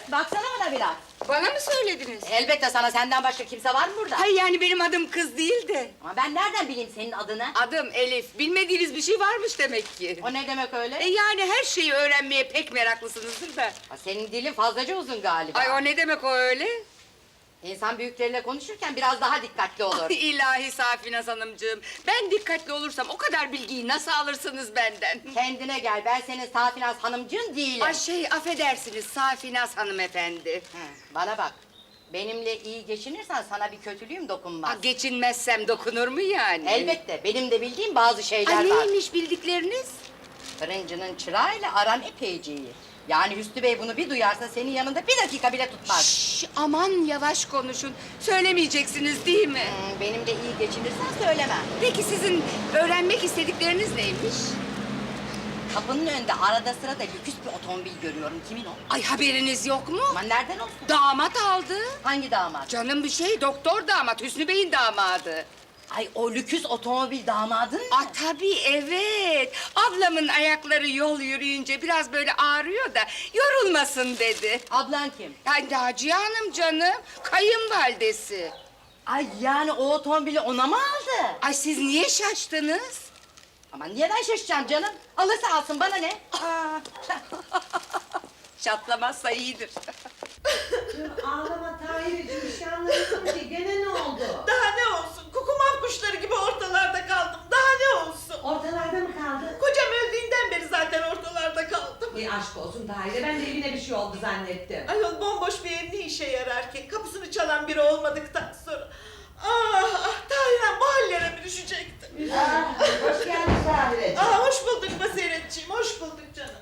baksana bana biraz. Bana mı söylediniz? Elbette sana, senden başka kimse var mı burada? Hayır yani benim adım kız değil de. Ama ben nereden bileyim senin adını? Adım Elif. Bilmediğiniz bir şey varmış demek ki. O ne demek öyle? Yani her şeyi öğrenmeye pek meraklısınızdır da. Ha, senin dilin fazlaca uzun galiba. Ay o ne demek o öyle? İnsan büyükleriyle konuşurken biraz daha dikkatli olur. Ay, İlahi Safinaz Hanımcığım. Ben dikkatli olursam o kadar bilgiyi nasıl alırsınız benden? Kendine gel, ben senin Safinaz hanımcığın değilim. Ay affedersiniz Safinaz hanımefendi. Bana bak, benimle iyi geçinirsen sana bir kötülüğüm dokunmaz. Geçinmezsem dokunur mu yani? Elbette, benim de bildiğim bazı şeyler Ay var. neymiş bildikleriniz? Fırıncının çırağıyla aran epeyce iyi. Yani Hüsnü Bey bunu bir duyarsa senin yanında bir dakika bile tutmaz. Şşş, aman yavaş konuşun. Söylemeyeceksiniz değil mi? Benimle iyi geçinirsen söylemem. Peki sizin öğrenmek istedikleriniz neymiş? Kapının önünde arada sırada lüküs bir otomobil görüyorum. Kimin o? Ay haberiniz yok mu? Aman nereden olsun? Damat aldı. Hangi damat? Canım bir şey, doktor damat, Hüsnü Bey'in damadı. Ay o lüküs otomobil damadın mı? Tabii evet. Ablamın ayakları yol yürüyünce biraz böyle ağrıyor da yorulmasın dedi. Ablan kim? Ay Naciye Hanım canım, kayınvalidesi. Ay yani o otomobili ona mı aldı? Ay siz niye şaştınız? Aman niye ben şaşacağım canım? Alırsa alsın, bana ne? Çatlamazsa iyidir. Ağlama Tahir'ciğim, bir şey anlamadım ki. Gene ne oldu? Daha ne olsun? Kukumav kuşları gibi ortalarda kaldım. Daha ne olsun? Ortalarda mı kaldı? Kocam öldüğünden beri zaten ortalarda kaldım. Ay aşk olsun Tahir'e, ben de evine bir şey oldu zannettim. Ayol bomboş bir ev ne işe yarar ki? Kapısını çalan biri olmadıktan sonra. Tahir'im bu hallere mi düşecekti? Hoş geldin Tahir'ciğim. Hoş bulduk Basiretciğim, hoş bulduk canım.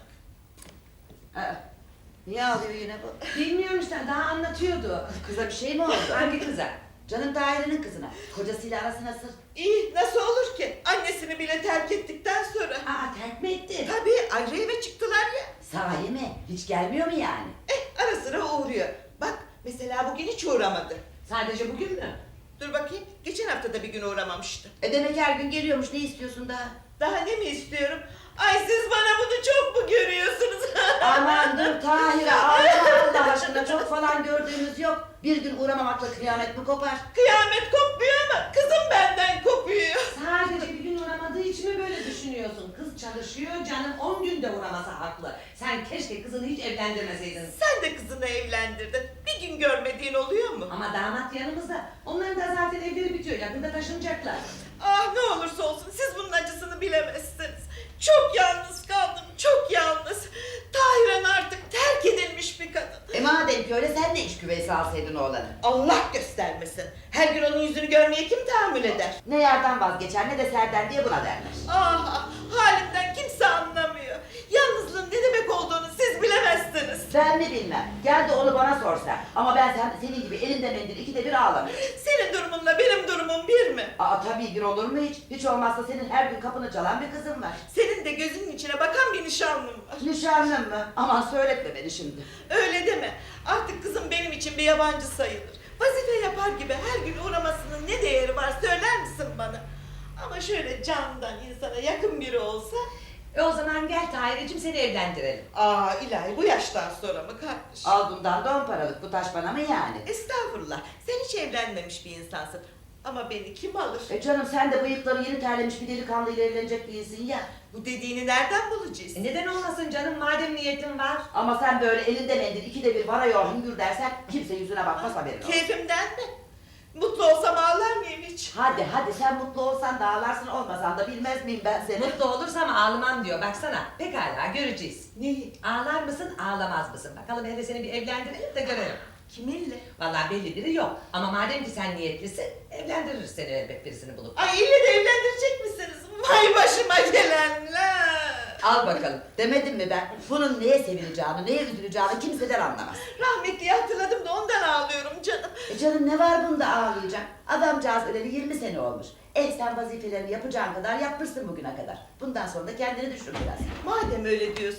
Niye ağlıyor yine bu? Bilmiyorum işte, daha anlatıyordu. Kıza bir şey mi oldu? Hangi kıza? Canım Tahir'in kızına. Kocasıyla arası nasıl? İyi, nasıl olur ki? Annesini bile terk ettikten sonra. Terk mi etti? Tabii ayrı eve çıktılar ya. Sahi mi? Hiç gelmiyor mu yani? Ara sıra uğruyor. Bak mesela bugün hiç uğramadı. Sadece bugün mü? Dur bakayım, geçen hafta da bir gün uğramamıştı. Demek her gün geliyormuş, ne istiyorsun daha? Daha ne mi istiyorum? Ay siz bana bunu çok mu görüyorsunuz? Aman dur Tahir'e ağlama Allah aşkına, çok falan gördüğümüz yok. Bir gün uğramamakla kıyamet mi kopar? Kıyamet kopmuyor ama kızım benden kopuyor. Sadece bir gün uğramadığı için mi böyle düşünüyorsun? Kız çalışıyor, canım 10 günde uğramasa haklı. Sen keşke kızını hiç evlendirmeseydin. Sen de kızını evlendirdin. Bir gün görmediğin oluyor mu? Ama damat yanımızda. Onların da zaten evleri bitiyor, yakında taşınacaklar. Ne olursa olsun siz bunun acısını bilemezsiniz. Çok yalnız kaldım, çok yalnız. Tahir'in artık terk edilmiş bir kadın. Madem ki öyle, sen de iş küveysi alsaydın oğlanı. Allah göstermesin. Her gün onun yüzünü görmeye kim tahammül eder? Ne yardan vazgeçer ne de serden diye buna derler. Halimden kimse anlamıyor. Yalnızlığın ne demek olduğunu siz bilemezsiniz. Ben mi bilmem. Gel de onu bana sorsa. Ama ben senin gibi elinde mendil ikide bir ağlamıyorum. Senin durumunla benim durumum bir mi? Tabii bir olur mu hiç? Hiç olmazsa senin her gün kapını çalan bir kızın var. Senin de gözünün içine bakan bir nişanlın var. Nişanlın mı? Aman söyletme beni şimdi. Öyle deme. Artık kızım benim için bir yabancı sayılır. Vazife yapar gibi her gün uğramasının ne değeri var söyler misin bana? Ama şöyle candan insana yakın biri olsa... O zaman gel Tahir'cim, seni evlendirelim. ilahi bu yaştan sonra mı kardeş? Al bundan 10 paralık, bu taş bana mı yani? Estağfurullah. Sen hiç evlenmemiş bir insansın. Ama beni kim alır? Canım sen de bıyıkları yeni terlemiş bir delikanlıyla evlenecek değilsin ya. Bu dediğini nereden bulacağız? Neden olmasın canım, madem niyetin var. Ama sen böyle elinde mendil ikide bir varıyor hüngür dersen kimse yüzüne bakmaz, haberin olsun. Keyfimden mi? Mutlu olsam ağlar mıyım hiç? Hadi sen mutlu olsan da ağlarsın, olmasan da bilmez miyim ben seni? Mutlu olursam ağlamam diyor, baksana. Pekala, göreceğiz. Neyi? Ağlar mısın, ağlamaz mısın? Bakalım, hele seni bir evlendirelim de görelim. Kiminle? Vallahi belli biri yok. Ama madem ki sen niyetlisin, evlendiririz seni elbet birisini bulup. Ay ille de evlendirecek misiniz? Vay başıma gelenler! Al bakalım. Demedim mi ben? Bunun neye sevineceğini, neye üzüleceğini kimseden anlamaz. Rahmetliyi hatırladım da ondan ağlıyorum canım. Canım ne var bunda ağlayacak? Adamcağız öleli 20 sene olmuş. Sen vazifelerini yapacağın kadar yapmışsın bugüne kadar. Bundan sonra da kendini düşün biraz. Madem öyle diyorsunuz,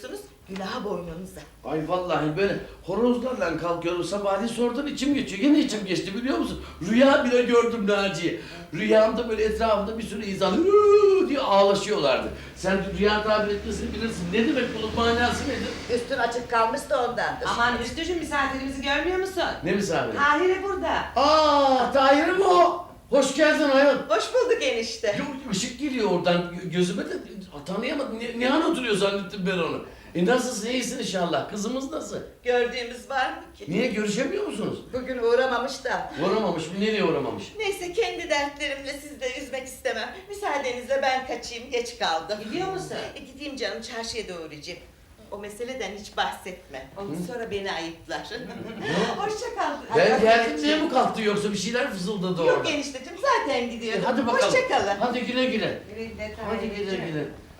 Günah boynunuza. Ay vallahi böyle horozlarla kalkıyorum sabahleyin sonradan içim geçiyor. Yine içim geçti biliyor musun? Rüya bile gördüm Naciye. Rüyamda böyle etrafında bir sürü insan "Hıı" diye ağlaşıyorlardı. Sen rüya tabir etmesini bilirsin. Ne demek bunun manası nedir? Üstün açık kalmış da ondandır. Aman Hüsnü'cüğüm misafirimizi görmüyor musun? Ne misafiri? Tahir'e burada. Aa, Tahir mi o? Hoş geldin ayol. Hoş bulduk enişte. Yok, ışık geliyor oradan gözüme de tanıyamadım. Ne an oturuyor zannettim ben onu. Nasılsın, iyisin inşallah. Kızımız nasıl? Gördüğümüz var mı ki? Niye görüşemiyor musunuz? Bugün uğramamış da. Uğramamış mı? Nereye uğramamış? Neyse kendi dertlerimle sizi de üzmek istemem. Müsaadenizle ben kaçayım, geç kaldım. Gidiyor musun? Gideyim canım, çarşıya da uğrayacağım. O meseleden hiç bahsetme. Sonra beni ayıplar. Hoşça kal. Ben geldim diye mi kalktı yoksa bir şeyler fısıldadı orada? Yok enişteciğim, zaten gidiyorum. Hadi bakalım. Hoşça kalın. Hadi güle güle. Güle Hadi güle güle.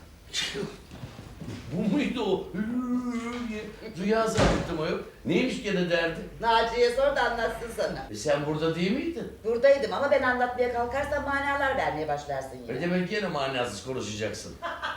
Bu muydu o? Diye Rüya zannettim o yok. Neymiş gene derdi? Naciye sor da anlatsın sana. Sen burada değil miydin? Buradaydım ama ben anlatmaya kalkarsam manalar vermeye başlarsın Ne yine. demek gene manasız konuşacaksın?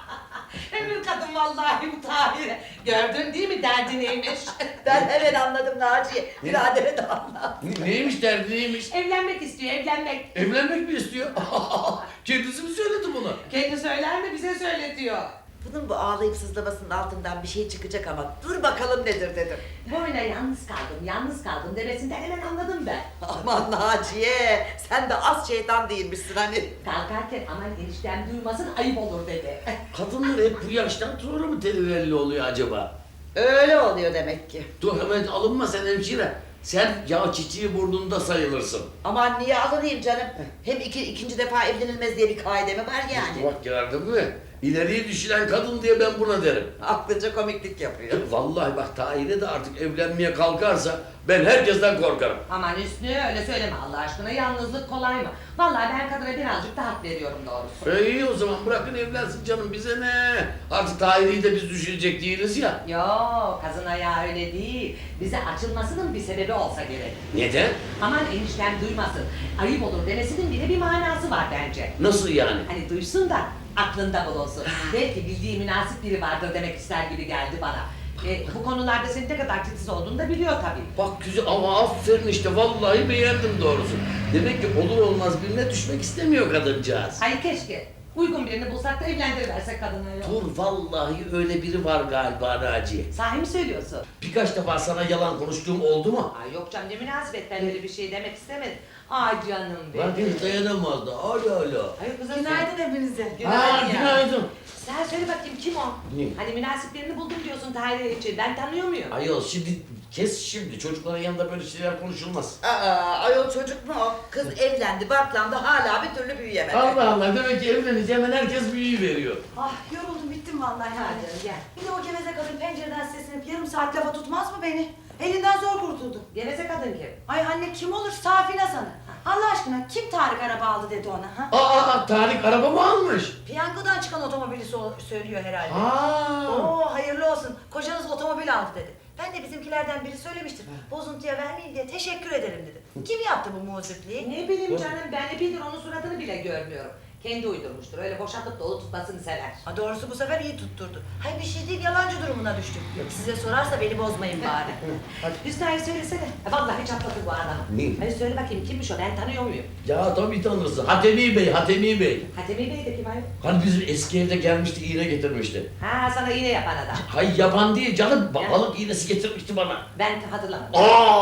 Ömür kadın vallahi bu Tahir'e. Gördün değil mi derdi neymiş? Ben hemen anladım Naciye. Biradere de anlat. Neymiş derdi neymiş? Evlenmek istiyor, evlenmek. Evlenmek mi istiyor? Kendisi mi söyledi bunu? Kendi söyler mi bize söyletiyor. Bunun bu ağlayıp sızlamasının altından bir şey çıkacak ama dur bakalım nedir dedim. Boyuna yalnız kaldım demesinden hemen anladım ben. Aman Naciye sen de az şeytan değilmişsin hani. Kalkarken aman eniştem duymasın ayıp olur dedi. Kadınlar hep bu yaştan sonra mı televelli oluyor acaba? Öyle oluyor demek ki. Dur hemen alınma sen hemşire. Sen ya çiçeği burnunda sayılırsın. Aman niye alınayım canım? Hem ikinci defa evlenilmez diye bir kaide mi var yani? Bak gördün mü? İleriyi düşünen kadın diye ben buna derim. Aklınca komiklik yapıyor. Vallahi bak Tahir'e de artık evlenmeye kalkarsa ben herkesten korkarım. Aman Hüsnü öyle söyleme Allah aşkına, yalnızlık kolay mı? Vallahi ben kadına birazcık da hak veriyorum doğrusu. İyi o zaman bırakın evlensin canım bize ne? Artık Tahir'i de biz düşünecek değiliz ya. Yok, kazın ayağı öyle değil. Bize açılmasının bir sebebi olsa gerek. Neden? Aman eniştem duymasın, ayıp olur demesinin bile bir manası var bence. Nasıl yani? Hani duysun da aklında bulunsun. Belki bildiği münasip biri vardır demek ister gibi geldi bana. Bu konularda senin ne kadar titiz olduğunu da biliyor tabii. Bak güzel ama aferin işte vallahi beğendim doğrusu. Demek ki olur olmaz birine düşmek istemiyor kadıncağız. Ay keşke uygun birini bulsak da evlendiriversek kadına yok. Dur vallahi öyle biri var galiba Naciye. Sahi mi söylüyorsun? Birkaç defa sana yalan konuştuğum oldu mu? Ay yok canım, ne münasebet, ben öyle bir şey demek istemedim. Ay canım Bak benim. hiç dayanamazdı. Hala. Ay kızım Günaydın hepinize. Ha günaydın. Sen söyle bakayım kim o? Ne? Hani münasiplerini buldum diyorsun Tahir'e için. Ben tanıyor muyum? Ayol şimdi kes şimdi çocukların yanında böyle şeyler konuşulmaz. Aa, ayol çocuk mu o? Kız evlendi, barklandı, hala bir türlü büyüyemedi. Allah Allah demek ki evlenince hemen herkes büyüyü veriyor. Ah yoruldum bittim vallahi Hadi yani. gel. Bir de o geveze kadın pencereden seslenip yarım saat lafa tutmaz mı beni? Elinden zor kurtuldum. Geveze kadın kim? Ay anne kim olur Safine sana. Allah aşkına kim Tarık araba aldı dedi ona ha? Tarık araba mı almış? Piyangodan çıkan otomobili söylüyor herhalde. Aa. Oo hayırlı olsun. Kocanız otomobil aldı dedi. Ben de bizimkilerden biri söylemiştir. Bozuntuya vermeyin diye teşekkür ederim dedi. Kim yaptı bu muzipliği? Ne bileyim canım, ben de bildir onun suratını bile görmüyorum. Kendi uydurmuştur, öyle boşaltıp dolu tutmasını sever. Ha, doğrusu bu sefer iyi tutturdu. Hayır bir şey değil, yalancı durumuna düştük. Size sorarsa beni bozmayın bari. Hüsnü hayır söylesene. Vallahi çatladı bu adam. Ne? Hadi söyle bakayım kimmiş o, ben tanıyor muyum? Ya tabii tanırsın. Hatemi Bey, Hatemi Bey. Hatemi Bey de kim ayol? Hani bizim eski evde gelmişti, iğne getirmişti. Ha, sana iğne yapan adam. Hay yaban değil canım, Ya. balık iğnesi getirmişti bana. Ben hatırlamadım.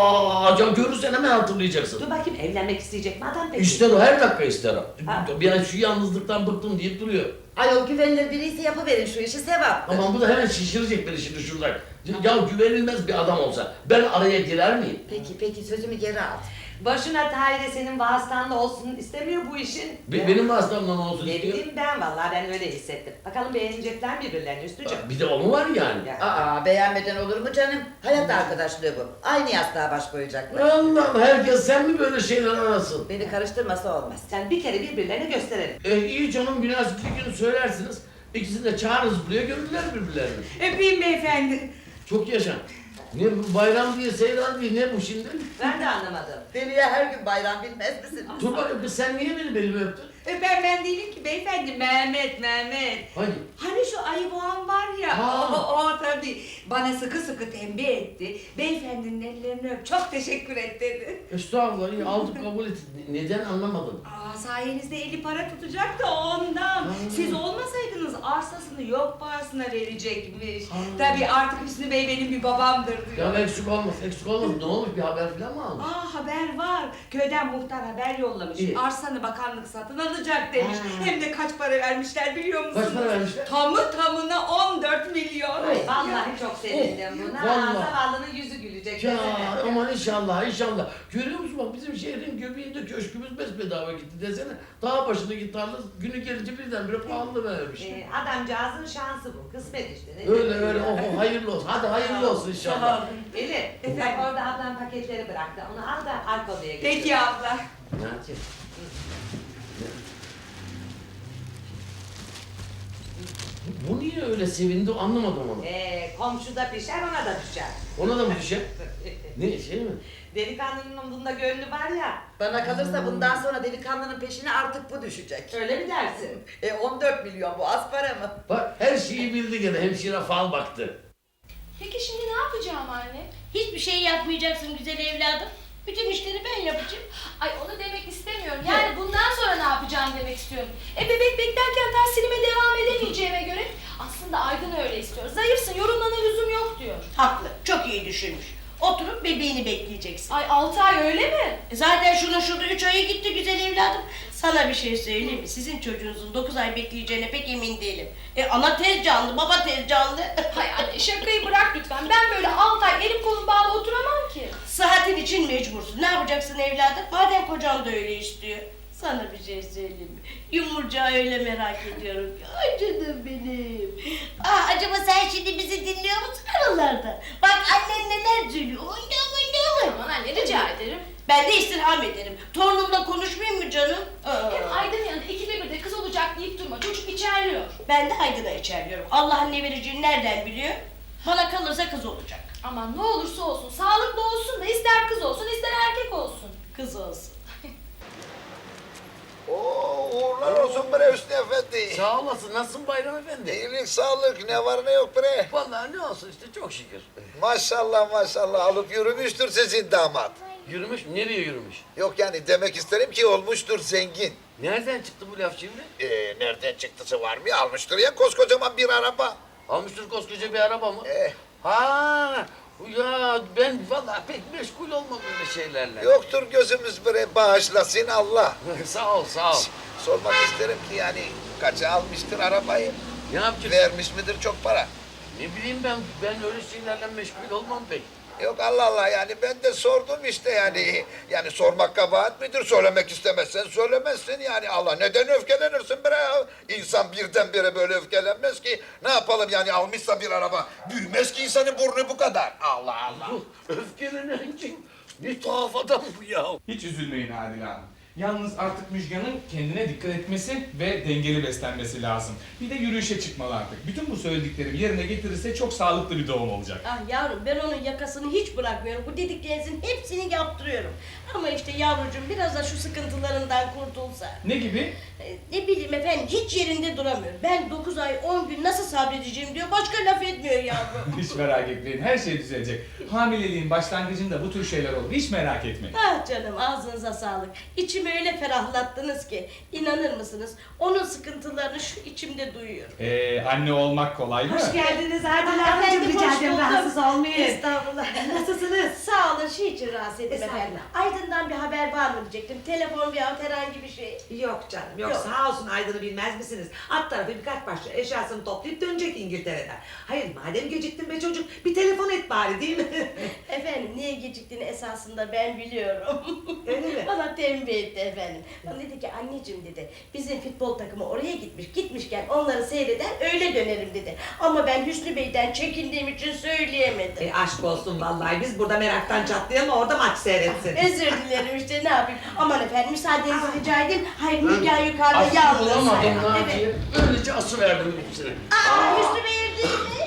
Ya görürsen hemen hatırlayacaksın. Dur bakayım, evlenmek isteyecek mi adam peki? İster o, her dakika ister o. Ha. Bir şu yalnızlıktan bıktım deyip duruyor. Ayol güvenilir biriyse yapıverin şu işi sevaptır. Aman bu da hemen şişirecek beni şimdi şuradan. Ya güvenilmez bir adam olsa ben araya girer miyim? Peki sözümü geri al. Başına Tahir'e senin vasıtanla olsun istemiyor bu işin. Benim vasıtamdan olsun Ne istiyor. bileyim ben, vallahi ben öyle hissettim. Bakalım beğenecekler birbirlerini Üstücüğüm. Bir de o mu var yani? Ya. Aa beğenmeden olur mu canım? Hayat arkadaşlığı bu. Aynı yastığa baş koyacaklar. Allah'ım herkes sen mi böyle şeyler arasın? Beni karıştırmasa olmaz. Sen bir kere birbirlerine gösterelim. İyi canım münasip bir gün söylersiniz. İkisini de çağırırız buraya görürler birbirlerini. Öpeyim beyefendi. Çok yaşa. Ne bu bayram diye seyran diye ne bu şimdi? Ben de anlamadım. Deliye her gün bayram bilmez misin? Dur bakayım kız sen niye benim elimi öptün? Öpen ben değilim ki beyefendi, Mehmet. Hangi? Hani şu ayı boğan var ya, Ha. o tabii. Bana sıkı sıkı tembih etti. Beyefendinin ellerini öp, çok teşekkür et dedi. Estağfurullah iyi aldık kabul ettik. Neden anlamadım. Sayenizde eli para tutacak da ondan. Siz olmasaydınız arsasını yok parasına verecekmiş. Tabii artık Hüsnü Bey benim bir babamdır diyor. Ya eksik olmaz. Ne olmuş bir haber falan mı almış? Haber var. Köyden muhtar haber yollamış. İyi. Arsanı bakanlık satın alacak demiş. Hem de kaç para vermişler biliyor musunuz? Kaç para vermişler? Tamı tamına 14 milyon. Ay, vallahi çok sevindim buna. Vallahi. Zavallının yüzü gülecek. Ya desene. aman inşallah. Görüyor musun bak bizim şehrin göbeğinde köşkümüz besbedava gitti desene. Dağ başına gitti aldı. Günü gelince birdenbire pahalı vermiş. Adamcağızın şansı bu. Kısmet işte. Ne Öyle oh hayırlı olsun. Hadi hayırlı olsun inşallah. Elif, bak orada ablam paketleri bıraktı. Onu al da arka odaya götür. Peki abla. Ne yapacağız? Bu niye öyle sevindi anlamadım onu. Komşuda pişer ona da düşer. Ona da mı düşer? Ne şey mi? Delikanlının bunda gönlü var ya. Bana kalırsa bundan sonra delikanlının peşine artık bu düşecek. Öyle mi dersin? 14 milyon bu az para mı? Bak her şeyi bildi gene hemşire fal baktı. Peki şimdi ne yapacağım anne? Hiçbir şey yapmayacaksın güzel evladım. Bütün işleri ben yapacağım. Ay onu demek istemiyorum. Yani bundan sonra ne yapacağım demek istiyorum. Bebek beklerken tahsilime devam edemeyeceğime göre aslında Aydın öyle istiyor. Zayıfsın, yorulmana lüzum yok diyor. Haklı, çok iyi düşünmüş. Oturup bebeğini bekleyeceksin. Ay 6 ay öyle mi? Zaten şurada 3 ayı gitti güzel evladım. Sana bir şey söyleyeyim mi? Sizin çocuğunuzun 9 ay bekleyeceğine pek emin değilim. Ana tez canlı, baba tez canlı. Hay anne şakayı bırak lütfen. Ben böyle 6 ay elim kolum bağlı oturamam ki. Sıhhatin için mecbursun. Ne yapacaksın evladım? Madem kocan da öyle istiyor. Sana bir şey söyleyeyim mi? Yumurcağı öyle merak ediyorum ki. Ay canım benim. Acaba sen şimdi bizi dinliyor musun aralarda? Bak annen neler söylüyor. Oyna. Aman anne rica ederim. Ben de istirham ederim. Torunumla konuşmayayım mı canım? Hem Aydın yanında ikide bir de kız olacak deyip durma. Çocuk içerliyor. Ben de Aydın'a içerliyorum. Allah'ın ne vereceğini nereden biliyor? Bana kalırsa kız olacak. Aman ne olursa olsun. Sağlıklı olsun da ister kız olsun ister erkek olsun. Kız olsun. Oo, uğurlar olsun bre Hüsnü Efendi. Sağ olasın. Nasılsın Bayram Efendi? İyilik, sağlık, ne var ne yok bre. Vallahi ne olsun işte çok şükür. Maşallah maşallah alıp yürümüştür sizin damat. Yürümüş mü? Nereye yürümüş? Yok yani demek isterim ki olmuştur zengin. Nereden çıktı bu laf şimdi? Nereden çıktısı var mı? Almıştır ya koskocaman bir araba. Almıştır koskoca bir araba mı? Eh, Ha, ya ben vallahi pek meşgul olmam öyle şeylerle. yoktur gözümüz bre, bağışlasın Allah. Sağ ol. Sormak isterim ki yani kaça almıştır arabayı? Ne yapacaksın? Vermiş midir çok para? Ne bileyim ben öyle şeylerle meşgul olmam pek. Yok Allah Allah yani ben de sordum işte yani. Yani sormak kabahat midir? Söylemek istemezsen söylemezsin yani. Allah neden öfkelenirsin bre ya? İnsan birdenbire böyle öfkelenmez ki. Ne yapalım yani almışsa bir araba. Büyümez ki insanın burnu bu kadar. Allah Allah. Öfkelenen kim? Ne tuhaf adam bu ya. Hiç üzülmeyin Adile Hanım. Yalnız artık Müjgan'ın kendine dikkat etmesi ve dengeli beslenmesi lazım. Bir de yürüyüşe çıkmalı artık. Bütün bu söylediklerimi yerine getirirse çok sağlıklı bir doğum olacak. Ah yavrum ben onun yakasını hiç bırakmıyorum. Bu dediklerinizin hepsini yaptırıyorum. Ama işte yavrucuğum biraz da şu sıkıntılarından kurtulsa. Ne gibi? Ne bileyim efendim hiç yerinde duramıyor. Ben 9 ay 10 gün nasıl sabredeceğim diyor. Başka laf etmiyor yavrum. Hiç merak etmeyin, her şey düzelecek. Hamileliğin başlangıcında bu tür şeyler olur, hiç merak etmeyin. Ah canım ağzınıza sağlık. İçimi öyle ferahlattınız ki. İnanır mısınız? Onun sıkıntılarını şu içimde duyuyorum. Anne olmak kolay mı? Hoş geldiniz Adile Ah, Hanımcığım. efendim, Rica hoş ederim buldum. rahatsız olmayın. Estağfurullah. Nasılsınız? Sağ olun şey için rahatsız ettim Estağfurullah. efendim. Aydın'dan bir haber var mı diyecektim. Telefon veya herhangi bir şey. Yok canım yok. Yok. Sağ olsun Aydın'ı bilmez misiniz? Alt tarafı birkaç parça eşyasını toplayıp dönecek İngiltere'den. Hayır madem geciktin be çocuk bir telefon et bari değil mi? Efendim niye geciktiğini esasında ben biliyorum. Öyle mi? Bana tembih etti efendim. Bana dedi ki anneciğim dedi bizim futbol takımı oraya gitmiş. Gitmişken onları seyreder öyle dönerim dedi. Ama ben Hüsnü Bey'den çekindiğim için söyleyemedim. Aşk olsun vallahi biz burada meraktan çatlayalım orada maç seyretsin. Özür dilerim işte ne yapayım. Aman efendim müsaadenizi rica edeyim. Hayır Müjgan yukarıda Aslı yalnız. bulamadım Evet. Naciye. Öylece ası verdim hepsine. Aa Hüsnü Bey evde mi?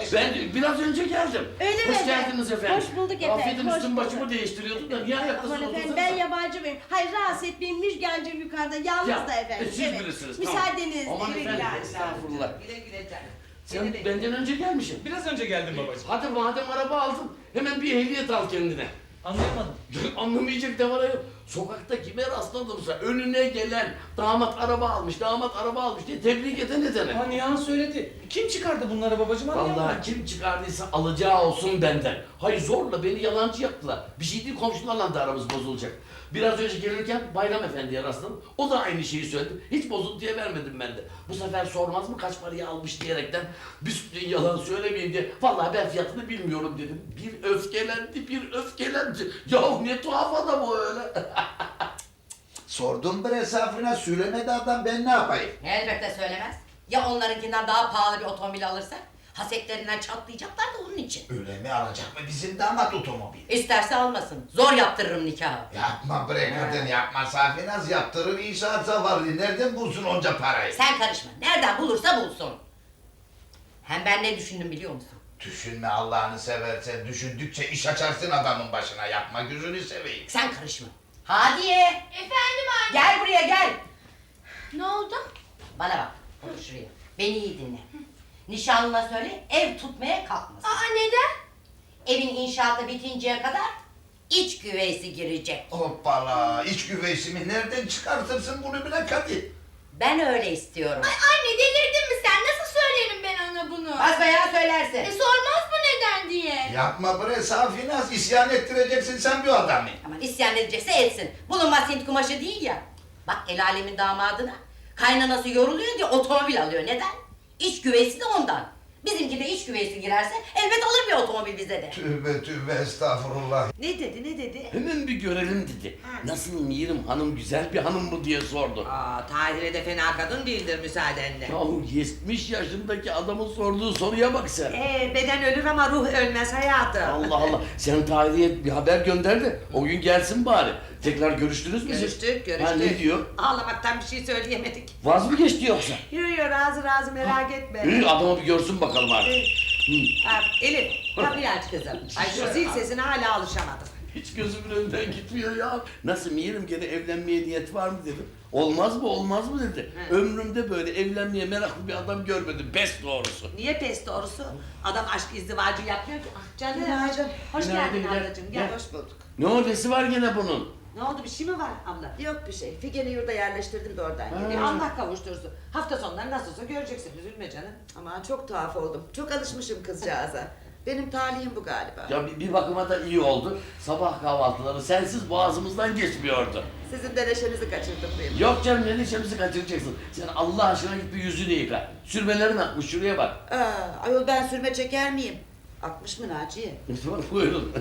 Ben biraz önce geldim. Öyle mi Hoş efendim? geldiniz efendim. Hoş bulduk efendim, Affedin hoş üstüm bulduk. başımı değiştiriyordum da niye ayaktasınız? Aman efendim ben yabancı mıyım? Hayır rahatsız etmeyin Müjgancığım yukarıda yalnız da efendim. Siz bilirsiniz. Müsaadenizle. Aman Güle efendim güle. estağfurullah. Güle güle canım. Sen Güle güle. benden önce gelmişsin. Biraz önce geldim babacığım. Hadi madem araba aldın hemen bir ehliyet al kendine. Anlayamadım. Anlamayacak ne var ayol? Sokakta kime rastladımsa önüne gelen damat araba almış diye tebrik eden edene. Ha Nihan söyledi. Kim çıkardı bunları babacığım anlayamadım. Vallahi kim çıkardıysa alacağı olsun benden. Hayır zorla beni yalancı yaptılar. Bir şey değil komşularla da aramız bozulacak. Biraz önce gelirken Bayram Efendi'ye rastladım. O da aynı şeyi söyledi. Hiç bozuntuya vermedim ben de. Bu sefer sormaz mı kaç paraya almış diyerekten bir sürü yalan söylemeyeyim diye. Vallahi ben fiyatını bilmiyorum dedim. Bir öfkelendi. Yahu ne tuhaf adam o öyle. Sordum bir hesabına söylemedi adam, ben ne yapayım? Elbette söylemez. Ya onlarınkinden daha pahalı bir otomobil alırsak? Hasetlerinden çatlayacaklar da onun için. Öyle mi, alacak mı bizim damat otomobil? İsterse almasın. Zor yaptırırım nikahı. Yapma bre kadın, yapma. Safinaz yaptırır, inşaat zavallı. Nereden bulsun onca parayı? Sen karışma. Nereden bulursa bulsun. Hem ben ne düşündüm biliyor musun? Düşünme Allah'ını seversen. Düşündükçe iş açarsın adamın başına. Yapma, gözünü seveyim. Sen karışma. Hadiye. Efendim anne. Gel buraya gel. Ne oldu? Bana bak. Otur şuraya. Beni iyi dinle. Nişanlına söyle ev tutmaya kalkmasın. Aa neden? Evin inşaatı bitinceye kadar iç güveysi girecek. Hoppala, iç güveysimi nereden çıkartırsın bunu bile Kadir? Ben öyle istiyorum. Ay anne delirdin mi sen? Nasıl söylerim ben ona bunu? Basbayağı söylersin. Sormaz mı neden diye? Yapma bre Safinaz, isyan ettireceksin sen bir adamı. Aman isyan edecekse etsin. Bulunmaz Hint kumaşı değil ya. Bak el alemin damadına kaynanası yoruluyor diye otomobil alıyor. Neden? İç güveysi de ondan. Bizimki de iç güveysi girerse elbet alır bir otomobil bize de. Tövbe estağfurullah. Ne dedi? Hemen bir görelim dedi. Nasıl Mirim hanım güzel bir hanım mı diye sordu. Aa, Tahir'e de fena kadın değildir müsaadenle. Yahu 70 yaşındaki adamın sorduğu soruya bak sen. Beden ölür ama ruh ölmez hayatım. Allah Allah. Sen Tahir'e bir haber gönder de o gün gelsin bari. Tekrar görüştünüz mü siz? Görüştük. Ha ne diyor? Ağlamaktan bir şey söyleyemedik. Vaz mı geçti yoksa? Yürüyor razı merak etme. Adamı bir görsün bakalım artık. Elif kapıyı aç kızım. Ay şu zil sesine hala alışamadım. Hiç gözümün önünden gitmiyor ya. Nasıl Mirim gene evlenmeye niyet var mı dedim. Olmaz mı dedi. Ömrümde böyle evlenmeye meraklı bir adam görmedim. Pes doğrusu. Niye pes doğrusu? Adam aşk izdivacı yapmıyor ki. Ah canım. Günaydın. Hoş Günaydın, geldin gel. ablacığım. Gel Gel. hoş bulduk. Ne ordesi var gene bunun? Ne oldu bir şey mi var abla? Yok bir şey. Figen'i yurda yerleştirdim de oradan geliyor. Allah kavuştursun. Hafta sonları nasılsa göreceksin. Üzülme canım. Aman çok tuhaf oldum. Çok alışmışım kızcağıza. Benim talihim bu galiba. Ya bir bakıma da iyi oldu. Sabah kahvaltıları sensiz boğazımızdan geçmiyordu. Sizin de neşenizi kaçırdım benim. Yok canım ne neşemizi kaçıracaksın. Sen Allah aşkına git bir yüzünü yıka. Sürmelerin akmış şuraya bak. Ayol ben sürme çeker miyim? Akmış mı Naciye? Buyurun.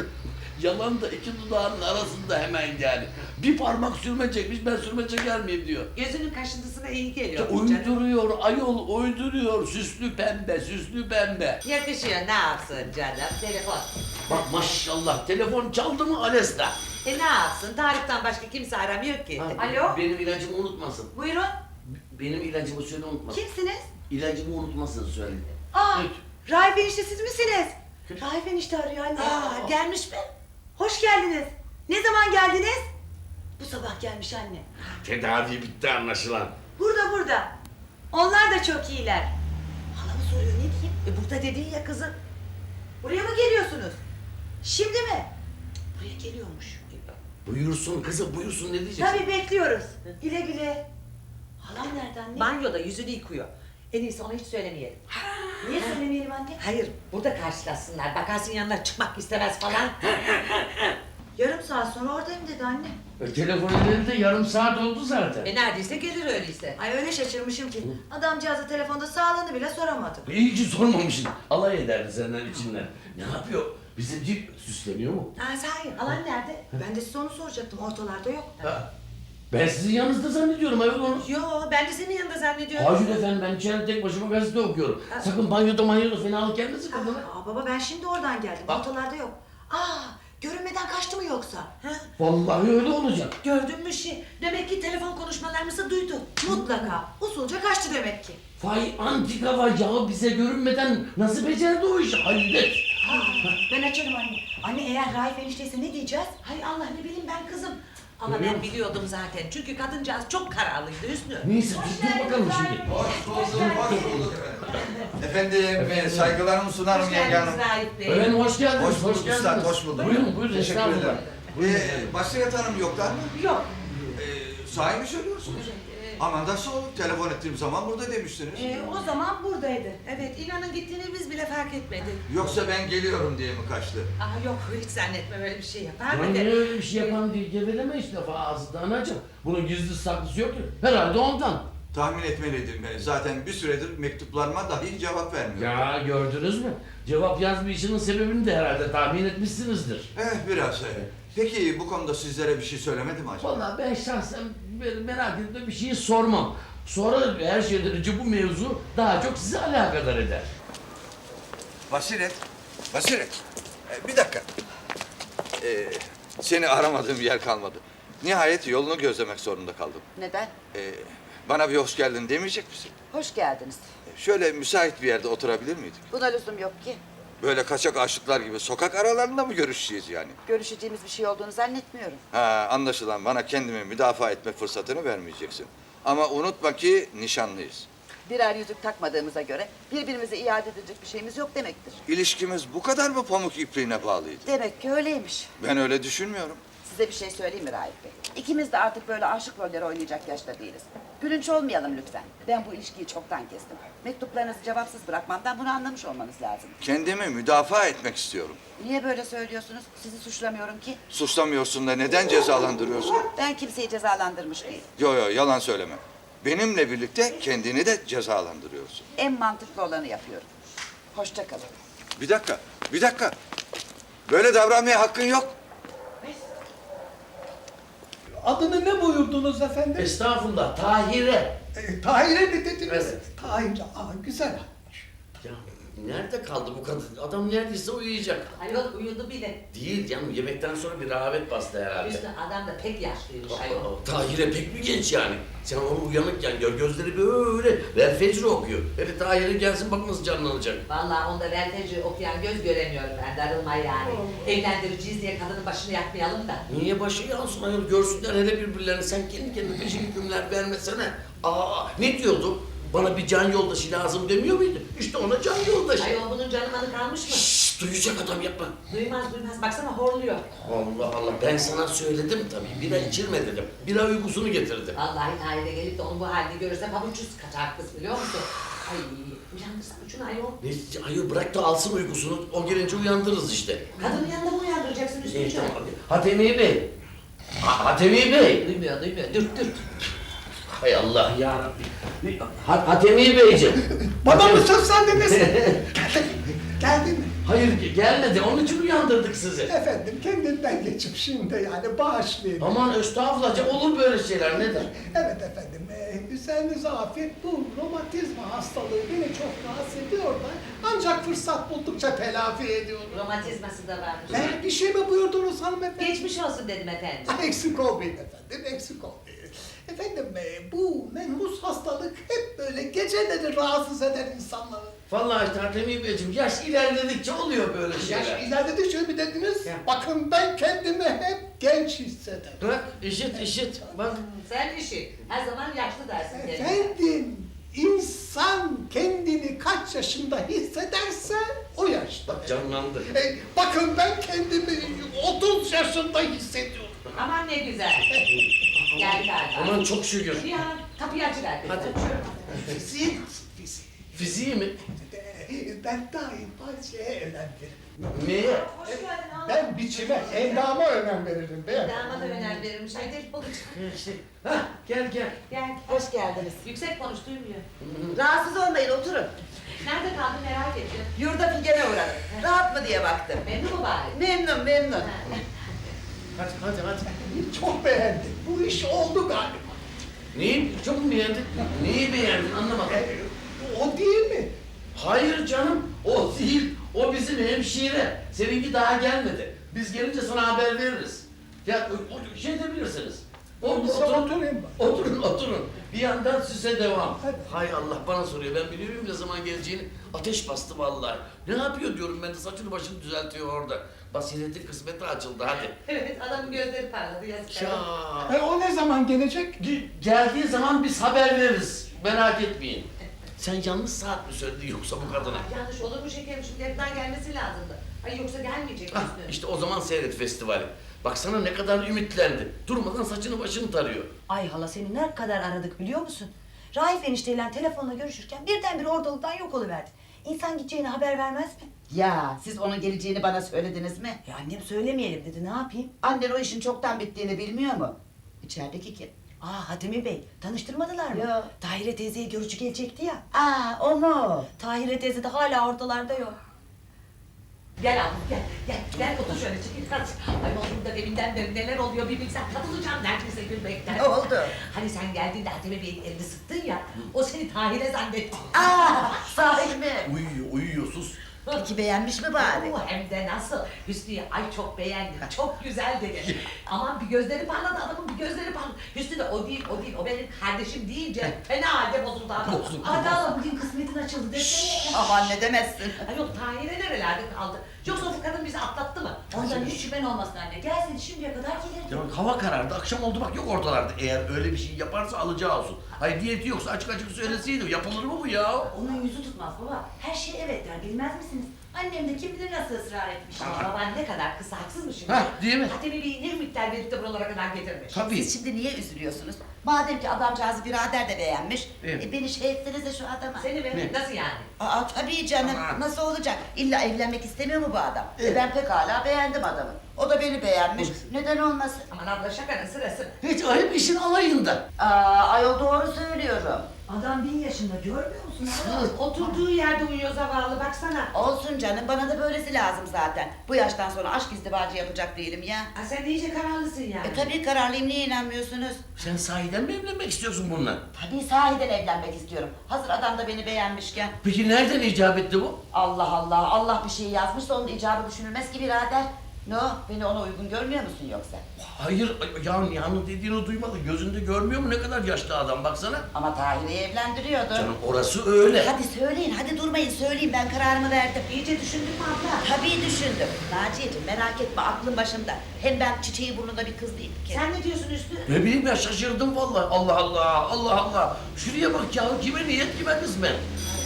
Yalan da iki dudağının arasında hemen yani. Bir parmak sürme çekmiş ben sürme çeker miyim diyor. Gözünün kaşıntısına iyi geliyor. Ya uyduruyor ayol uyduruyor süslü pembe. Yakışıyor ne yapsın canım telefon. Bak maşallah telefon çaldı mı Alesta? Ne yapsın tariften başka kimse aramıyor ki. Alo? Benim ilacımı unutmasın. Buyurun. Benim ilacımı söyle unutmasın. Kimsiniz? İlacımı unutmasın söyle. Raif enişte siz misiniz? Raif enişte arıyor anne. Gelmiş mi? Hoş geldiniz. Ne zaman geldiniz? Bu sabah gelmiş anne. Tedavi bitti anlaşılan. Burada. Onlar da çok iyiler. Halamı soruyor ne diyeyim? Burada dedin ya kızım. Buraya mı geliyorsunuz? Şimdi mi? Buraya geliyormuş. Buyursun kızım buyursun ne diyeceksin? Tabii bekliyoruz. Güle güle. Halam nerede anne? Banyoda yüzünü yıkıyor. En iyisi ona hiç söylemeyelim. Niye söylemeyelim anne? Hayır burada karşılaşsınlar. Bakarsın yanına çıkmak istemez falan. Yarım saat sonra oradayım dedi anne. Telefon elinde yarım saat oldu zaten. Neredeyse gelir öyleyse. Ay öyle şaşırmışım ki. Adamcağıza telefonda sağlığını bile soramadım. İyi ki sormamışsın. Alay ederdi senden içinden. Ne yapıyor? Bizimki süsleniyor mu? Sahi halan nerede? Ben de size onu soracaktım. Ortalarda yok. Ha. Ben sizin yanınızda zannediyorum ayol onu. Yo ben de senin yanında zannediyorum. Hayır efendim ben içeride tek başıma gazete okuyorum. Sakın banyoda fenalık gelmesin kadına. Baba ben şimdi oradan geldim. Bak. Ortalarda yok. Görünmeden kaçtı mı yoksa? Ha? Vallahi öyle olacak. Gördün mü şey? Demek ki telefon konuşmalarımızı duydu. Mutlaka. Usulca kaçtı demek ki. Vay antika vay ya, bize görünmeden nasıl becerdi o işi? Hayret. Ben açarım anne. Anne eğer Raif enişteyse ne diyeceğiz? Hay Allah, ne bileyim ben kızım. Ama ben biliyordum zaten. Çünkü kadıncağız çok kararlıydı Hüsnü. Neyse dur bakalım şimdi. Hoş bulduk efendim, saygılarımı sunarım Hoş yenge geldiniz hanım. Raif Bey. Efendim hoş geldiniz. Hoş bulduk üstad, hoş bulduk. Buyurun buyurun. Teşekkür estağfurullah. ederim. Basiret Hanım yoklar mı? Yok. Sahi mi söylüyorsunuz? Aman nasıl olur? Telefon ettiğim zaman burada demiştiniz. O zaman buradaydı. Evet, inanın gittiğini biz bile fark etmedik. Yoksa ben geliyorum diye mi kaçtı? Yok, hiç zannetmem öyle bir şey yapar Ya mı? niye öyle bir şey yapan diye geveleme işte ağzından anacığım. Bunun gizli saklısı yok ki. Herhalde ondan. Tahmin etmeliydim ben. Zaten bir süredir mektuplarıma dahi cevap vermiyor. Ya gördünüz mü? Cevap yazmayışının sebebini de herhalde tahmin etmişsinizdir. Biraz. Peki bu konuda sizlere bir şey söylemedi mi acaba? Vallahi ben şahsen merak edip de bir şeyi sormam. Sonra her şeyden önce bu mevzu daha çok sizi alakadar eder. Basiret. Bir dakika. Seni aramadığım yer kalmadı. Nihayet yolunu gözlemek zorunda kaldım. Neden? Bana bir hoş geldin demeyecek misin? Hoş geldiniz. Şöyle müsait bir yerde oturabilir miydik? Buna lüzum yok ki. Böyle kaçak aşıklar gibi sokak aralarında mı görüşeceğiz yani? Görüşeceğimiz bir şey olduğunu zannetmiyorum. Ha, anlaşılan bana kendimi müdafaa etme fırsatını vermeyeceksin. Ama unutma ki nişanlıyız. Birer yüzük takmadığımıza göre birbirimize iade edecek bir şeyimiz yok demektir. İlişkimiz bu kadar mı pamuk ipliğine bağlıydı? Demek ki öyleymiş. Ben öyle düşünmüyorum. Size bir şey söyleyeyim mi Raif Bey? İkimiz de artık böyle aşık rolleri oynayacak yaşta değiliz. Gülünç olmayalım lütfen. Ben bu ilişkiyi çoktan kestim. Mektuplarınızı cevapsız bırakmamdan bunu anlamış olmanız lazım. Kendimi müdafaa etmek istiyorum. Niye böyle söylüyorsunuz? Sizi suçlamıyorum ki. Suçlamıyorsun da neden cezalandırıyorsun? Ben kimseyi cezalandırmış değilim. Yo yalan söyleme. Benimle birlikte kendini de cezalandırıyorsun. En mantıklı olanı yapıyorum. Hoşça kalın. Bir dakika. Böyle davranmaya hakkın yok. Adını ne buyurdunuz efendim? Estağfurullah, Tahire. Tahir'e mi dediniz? Evet. Tahir, güzel. Ya nerede kaldı bu kadın? Adam neredeyse uyuyacak. Ayol uyudu bile. Değil canım, yemekten sonra bir rahavet bastı herhalde. Hüsnü adam da pek yaşlıymış ayol. Tahir'e pek mi genç yani? Sen onu uyanıkken gör, gözleri böyle Vel Fecri okuyor. Hele Tahir'e gelsin bak nasıl canlanacak. Vallahi onda Velteci okuyan göz göremiyorum ben, darılma yani. Evlendireceğiz diye kadının başını yakmayalım da. Niye başı yansın ayol, görsünler hele birbirlerini, sen kendi kendine peşin hükümler vermesene. Ne diyordu? Bana bir can yoldaşı lazım demiyor muydu? İşte ona can yoldaşı. Ayol bunun canı manı kalmış mı? Şşş, duyacak adam yapma. Duymaz, baksana horluyor. Allah Allah, ben sana söyledim tabii, bira içirme dedim. Bira uykusunu getirdi. Vallahi Tahir'e gelip de onu bu halde görürse pabuçsuz kaçar kız biliyor musun? Ay uyandırsana şunu ayol. Ne, ayol bırak da alsın uykusunu, o gelince uyandırırız işte. Kadının yanında mı uyandıracaksın Hüsnü'cüğüm? Hatemi Bey. Hatemi Bey. Duymuyor, dürt. Hay Allah yarabbim. Hatemi Beyciğim. Bana mı söylendiniz? Geldi mi? Hayır gelmedi, onun için uyandırdık sizi. Efendim kendinden geçip şimdi yani bağışlayın. Aman estağfurullah, olur böyle şeyler, nedir? Evet efendim, üzerinize afiyet. Bu romatizma hastalığı beni çok rahatsız ediyor da ancak fırsat buldukça telafi ediyorum. Romatizması da varmış. Bir şey mi buyurdunuz hanımefendi? Geçmiş olsun dedim efendim. Eksik olmayın efendim, eksik olmayın. Efendim bu menhus hastalık hep böyle geceleri rahatsız eder insanları. Vallahi Hatemi Beyciğim, yaş ilerledikçe oluyor böyle şeyler. Yaş ilerledikçe mi dediniz? Bakın ben kendimi hep genç hissederim. Bırak, işit, bak. Sen işi. Her zaman yaşlı dersin kendine. Efendim, insan kendini kaç yaşında hissederse o yaşta. Bak canlandı. Bakın ben kendimi 30 yaşında hissediyorum. Aman ne güzel. Geldi galiba. Aman çok şükür. Bir hanım kapıyı açıver. Hadi. Fizik. Fiziği mi? Ben daima şeye önem veririm. Neye? Ben biçime, endama önem veririm beyefendi. Dama da önem verirmiş. Haydi balık. Hah, gel. Gel. Hoş geldiniz. Yüksek konuş duymuyor. Rahatsız olmayın, oturun. Nerede kaldın merak ettim. Yurda Figen'e uğradım. Rahat mı diye baktım. Memnun mu bari? Memnun. Hadi. Çok beğendim. Bu iş oldu galiba. Neyi çok mu beğendin? Neyi beğendin anlamadım. O değil mi? Hayır canım, o değil. O bizim hemşire. Seninki daha gelmedi. Biz gelince sana haber veririz. Ya o şey de bilirsiniz. Oturayım ben. Oturun. Bir yandan süse devam. Hadi. Hay Allah bana soruyor. Ben biliyorum ne zaman geleceğini. Ateş bastı vallahi. Ne yapıyor diyorum ben de saçını başını düzeltiyor orada. Basiretin kısmeti açıldı hadi. Evet adamın gözleri parladı yazık. Ya. O ne zaman gelecek? Geldiği zaman biz haber veririz. Merak etmeyin. Sen yanlış saat mi söyledin yoksa bu kadına? Yanlış olur mu şekerim şimdi evden gelmesi lazımdı. Ay yoksa gelmeyecek Ah, Hüsnü. işte o zaman seyret festivali. Baksana ne kadar ümitlendi. Durmadan saçını başını tarıyor. Ay hala seni ne kadar aradık biliyor musun? Raif enişteyle telefonla görüşürken birdenbire ortalıktan yok oluverdin. İnsan gideceğine haber vermez mi? Ya siz onun geleceğini bana söylediniz mi? Ya annem söylemeyelim dedi ne yapayım? Annen o işin çoktan bittiğini bilmiyor mu? İçerideki kim? Aa Hatemi Bey tanıştırmadılar mı? Yok. Tahire teyzeye görücü gelecekti ya. Aa o mu? Tahire teyze de hala ortalarda yok. Gel abla gel otur şöyle çekil kalk. Ay oğlum da deminden beri neler oluyor bir bilsen katılacağım neredeyse gülmekten. Ne oldu? Hani sen geldiğinde Hatemi Bey'in elini sıktın ya o seni Tahir'e zannetti. Aa sahi mi? Uyuyor sus. Peki beğenmiş mi bari? Oo, hem de nasıl? Hüsnü'yü ay çok beğendim, çok güzel dedi. Aman bir gözleri parladı adamın bir gözleri parladı. Hüsnü de o değil, o benim kardeşim deyince fena halde bozuldu adam. Bozuldu. Hadi Allah bugün kısmetin açıldı desene. Aman ne demezsin. Ay yok Tahir'e nerelerde kaldı? Yoksa o kadın bizi atlattı mı? Ondan hiç şüphen olmasın anne. Gelseydi şimdiye kadar gelirdi. Ya hava karardı, akşam oldu bak yok ortalarda. Eğer öyle bir şey yaparsa alacağı olsun. Hayır niyeti yoksa açık açık söyleseydi. Yapılır mı bu ya? Onun yüzü tutmaz baba. Her şey evet der bilmez misiniz? Annem de kim bilir nasıl ısrar etmiş. Baban ne kadar kısa haksız mı şimdi? Hah, değil mi? Hatemi bir ne miktar verip de buralara kadar getirmiş. Tabii. Siz şimdi niye üzülüyorsunuz? Madem ki adamcağızı birader de beğenmiş. Evet. Beni şey etsenize şu adama. Seni mi? Nasıl yani? Aa tabii canım. Aman. Nasıl olacak? İlla evlenmek istemiyor mu bu adam? Ben pekala beğendim adamı. O da beni beğenmiş. Neden olmasın? Aman abla şakanın sırası. Hiç o hep işin alayında. Aa ayol doğru söylüyorum. Adam 1000 yaşında görmüyor musun? Oturduğu yerde uyuyor zavallı baksana. Olsun canım bana da böylesi lazım zaten. Bu yaştan sonra aşk izdivacı yapacak değilim ya. Ha, sen de iyice kararlısın yani. Tabii kararlıyım niye inanmıyorsunuz? Sen sahiden mi evlenmek istiyorsun bununla? Tabii sahiden evlenmek istiyorum. Hazır adam da beni beğenmişken. Peki nereden icap etti bu? Allah Allah Allah bir şey yazmışsa onun icabı düşünülmez ki birader. Ne o? Beni ona uygun görmüyor musun yoksa? Hayır ya Nihan'ın dediğini duymadı. Gözünde görmüyor mu ne kadar yaşlı adam baksana. Ama Tahir'i evlendiriyordu. Canım orası öyle. Hadi söyleyin, hadi durmayın söyleyin ben kararımı verdim. İyice düşündün mü abla? Tabii düşündüm. Naciye'cim merak etme aklım başımda. Hem ben çiçeği burnunda bir kız değilim ki. Sen ne diyorsun Hüsnü? Ne bileyim ya şaşırdım vallahi. Allah Allah, Allah Allah. Şuraya bak ya kime niyet kime kısmet.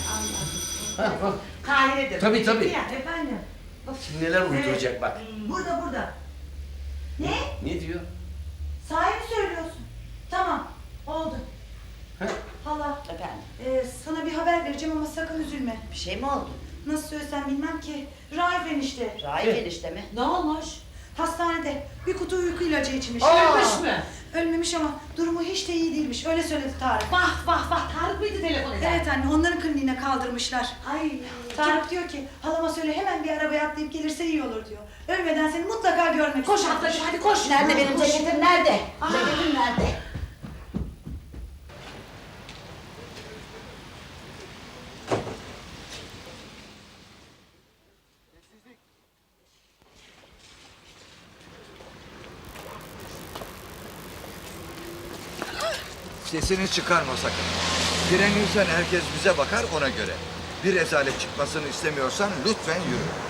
Ha, bak. Kahire'dir. Tabii, tabii. Ya efendim. Şimdi neler uyduracak bak. Burada. Ne? Ne diyor? Sahi mi söylüyorsun? Tamam oldu. Ha? Hala Efendim sana bir haber vereceğim ama sakın üzülme. bir şey mi oldu? Nasıl söylesem bilmem ki. Raif enişte. Raif enişte mi? Ne olmuş? Hastanede bir kutu uyku ilacı içmiş. Ölmüş mü? Ölmemiş ama durumu hiç de iyi değilmiş. Öyle söyledi Tarık. Vah Tarık mıydı telefon eden? Evet anne onların kliniğine kaldırmışlar. Ay. Tarık diyor ki halama söyle hemen bir arabaya atlayıp gelirse iyi olur diyor. Ölmeden seni mutlaka görmek Koş istiyor. ablacığım hadi koş. Nerede benim Koş. ceketim nerede? Aa. Ceketim nerede? Sesini çıkarma sakın. Direnirsen herkes bize bakar ona göre. Bir rezalet çıkmasını istemiyorsan lütfen yürü.